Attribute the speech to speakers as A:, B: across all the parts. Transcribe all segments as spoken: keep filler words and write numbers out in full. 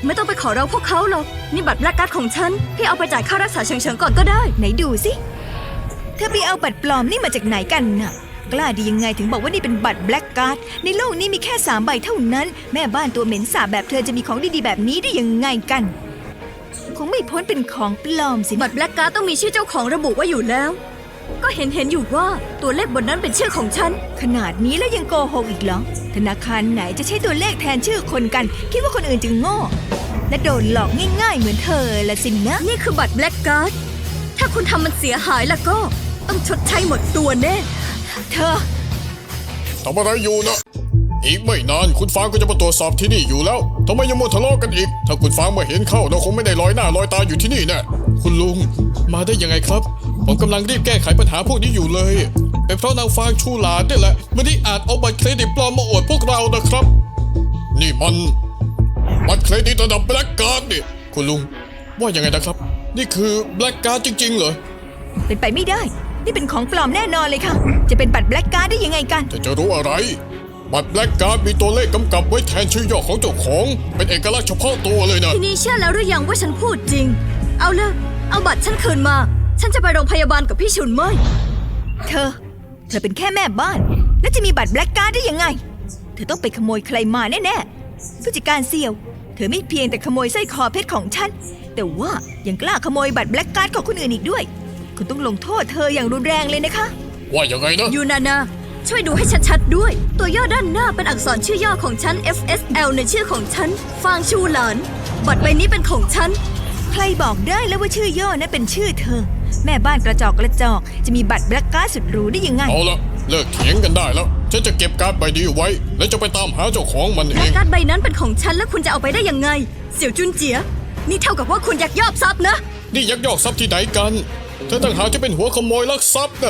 A: ไม่ต้องไปขอร้องพวกเขาหรอกนี่บัตรแบล็กการ์ดของฉันพี่เอาไปจ่ายค่ารักษาเฉิงๆก่อนก็ได้
B: ไหนดูสิเธอไปเอาบัตรปลอมนี่มาจากไหนกันน่ะกล้าดียังไงถึงบอกว่านี่เป็นบัตรแบล็กการ์ดในโลกนี้มีแค่สามใบเท่านั้นแม่บ้านตัวเหม็นสาบแบบเธอจะมีของดีๆแบบนี้ได้ยังไงกันคงไม่พ้นเป็นของปลอมสิ
A: บัตรแบล็กการ์ดต้องมีชื่อเจ้าของระบุไว้อยู่แล้วก็เห็นเห็นอยู่ว่าตัวเลขบนนั้นเป็นชื่อของฉัน
B: ขนาดนี้แล้วยังโกหกอีกเหรอธนาคารไหนจะใช้ตัวเลขแทนชื่อคนกันคิดว่าคนอื่นจะโง่และโดนหลอกง่ายๆเหมือนเธอละสินะ
A: นี่คือบัตรแบล็กการ์ดถ้าคุณทำมันเสียหายแล้วก็ต้องชดใช้หมดตัวแน่
B: เธอ
C: ทำอะไรอยู่นะอีกไม่นานคุณฟางก็จะมาตรวจสอบที่นี่อยู่แล้วทำไมยังมัวทะเลาะกันอีกถ้าคุณฟางมาเห็นเข้าเราคงไม่ได้ลอยหน้าลอยตาอยู่ที่นี่แน่คุณลุงมาได้ยังไงครับผมกำลังรีบแก้ไขปัญหาพวกนี้อยู่เลยเป็นเพราะนางฟางชูหลานนี่แหละไม่ได้อาจเอาบัตรเครดิตปลอมมาอวดพวกเรานะครับนี่มันบัตรเครดิตระดับแบล็กการ์ดนี่คุณลุงว่ายังไงนะครับนี่คือแบล็กการ์ดจริงๆเหรอ
B: เป็นไปไม่ได้นี่เป็นของปลอมแน่นอนเลยค่ะจะเป็นบัตรแบล็กการ์ดได้ยังไงกัน
C: จะจะรู้อะไรบัตรแบล็กการ์ดมีตัวเลขกำกับไว้แทนชื่อย่อของเจ้าของเป็นเอกลักษณ์เฉพาะตัวเลยนะ
A: ทีนี้เชื่อแล้วหรือยังว่าฉันพูดจริงเอาเลยเอาบัตรฉันคืนมาฉันจะไปโรงพยาบาลกับพี่ชุนเมย
B: เธอเธอเป็นแค่แม่บ้านแล้วจะมีบัตรแบล็กการ์ดได้ยังไงเธอต้องไปขโมยใครมาแน่ๆผู้จัดการเสี่ยวเธอไม่เพียงแต่ขโมยสร้อยคอเพชรของฉันแต่ว่ายังกล้าขโมยบัตรแบล็กการ์ดของคนอื่นอีกด้วยคุณต้องลงโทษเธออย่างรุนแรงเลยนะคะ
C: ว่ายังไงนะ
A: ยูนานาช่วยดูให้ชัดๆด้วยตัวย่อด้านหน้าเป็นอักษรชื่อย่อของฉัน เอฟ เอส แอล ในชื่อของฉันฟางชูหลานบัตรใบนี้เป็นของฉัน
B: ใครบอกได้แล้วว่าชื่อย่อนั้นเป็นชื่อเธอแม่บ้านกระจอกกระจอกจะมีบัตรแบล็กการ์ดสุดหรูได้ยังไง
C: เอาละเลิกเถียงกันได้แล้วฉันจะเก็บการ์ดใบนี้ไว้แล้วจะไปตามหาเจ้าของมันเอง
A: การ์ดใบนั้นเป็นของฉันแล้วคุณจะเอาไปได้ยังไงเสี่ยวจุนเจียนี่เท่ากับว่าคุณยักยอกทรัพย์นะ
C: นี่ยักยอกทรัพย์ที่ไหนกันเธอต่างหากที่เป็นหัวขโมยลักทรัพย์นะ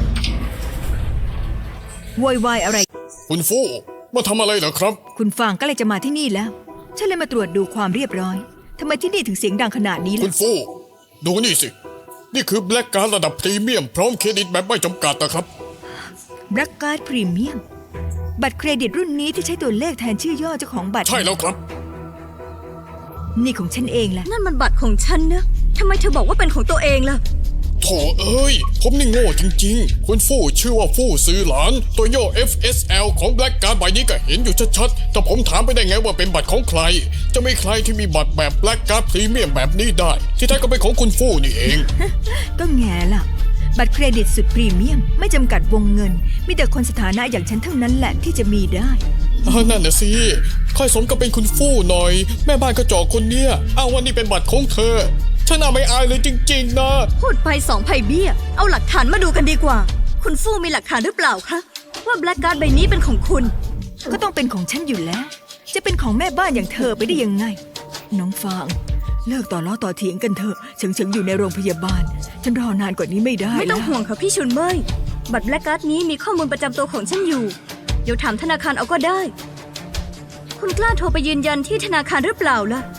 B: โวยวายอะไร
C: คุณฟู่มาทำอะไรเหรอครับ
B: คุณฟางก็เลยจะมาที่นี่แล้วฉันเลยมาตรวจดูความเรียบร้อยทำไมที่นี่ถึงเสียงดังขนาดนี้ล่ะ
C: คุณฟู่ดูนี่สินี่คือแบล็กการ์ดระดับพรีเมียมพร้อมเครดิตแบบไม่จำกัดนะครับ
B: แบล็กการ์ดพรีเมียมบัตรเครดิตรุ่นนี้ที่ใช้ตัวเลขแทนชื่อย่อเจ้าของบัตร
C: ใช่แล้วครับ
B: นี่ของฉันเองแหละ
A: นั่นมันบัตรของฉันนะทำไมเธอบอกว่าเป็นของตัวเองล่ะ
C: โถ่เอ้ยผมนี่โง่จริงๆคุณฟู่ชื่อว่าฟู่ซื้อหลานตัวย่อ เอฟ เอส แอล ของแบล็กการ์ดใบนี้ก็เห็นอยู่ชัดๆแต่ผมถามไปได้ไงว่าเป็นบัตรของใครจะไม่ใครที่มีบัตรแบบแบล็กการ์ดพรีเมียมแบบนี้ได้ที่แท้ก็เป็นของคุณฟู่นี่เอง
B: ก็แง่ล่ะบัตรเครดิตสุดพรีเมียมไม่จำกัดวงเงินมีแต่คนสถานะอย่างฉันเท่านั้นแหละที่จะมีได้
C: นั่นน่ะสิค่อยสมกับเป็นคุณฟู่หน่อยแม่บ้านกระจอกคนเนี้ยอ้างว่านี่เป็นบัตรของเธอฉันน่าไม่อายเลยจริงๆนะ
A: พูดไปสองไผ่เบี้ยเอาหลักฐานมาดูกันดีกว่าคุณฟู่มีหลักฐานหรือเปล่าคะว่าแบล็กการ์ดใบนี้เป็นของคุณ
B: ก็ต้องเป็นของฉันอยู่แล้วจะเป็นของแม่บ้านอย่างเธอไปได้ยังไงน้องฟางเลิกต่อล้อต่อเถียงกันเถอะเฉิงๆอยู่ในโรงพยาบาลฉันรอนานกว่านี้ไม่ได้
A: ไม่ต้องห่วงค่ะพี่ชุนเมยบัตรแบล็กการ์ดนี้มีข้อมูลประจำตัวของฉันอยู่เดี๋ยวถามธนาคารเอาก็ได้คุณกล้าโทรไปยืนยันที่ธนาคารหรือเปล่าล่ะ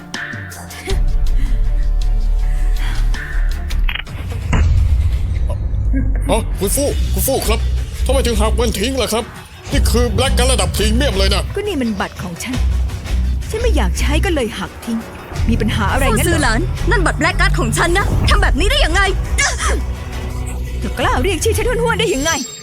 C: อ๋อคุณฟู่คุณฟู่ครับทำไมถึงหักมันทิ้งล่ะครับนี่คือแบล็กการ์ดระดับพรีเมียมเลยนะ
B: ก็นี่มันบัตรของฉันฉันไม่อยากใช้ก็เลยหักทิ้งมีปัญหาอะไรงั้น
A: เหรอซื้อหลานนั่นบัตรแบล็กการ์ดของฉันนะทำแบบนี้ได้ยังไง
B: เธอกล้าเรียกชื่อฉันห้วนๆได้ยังไง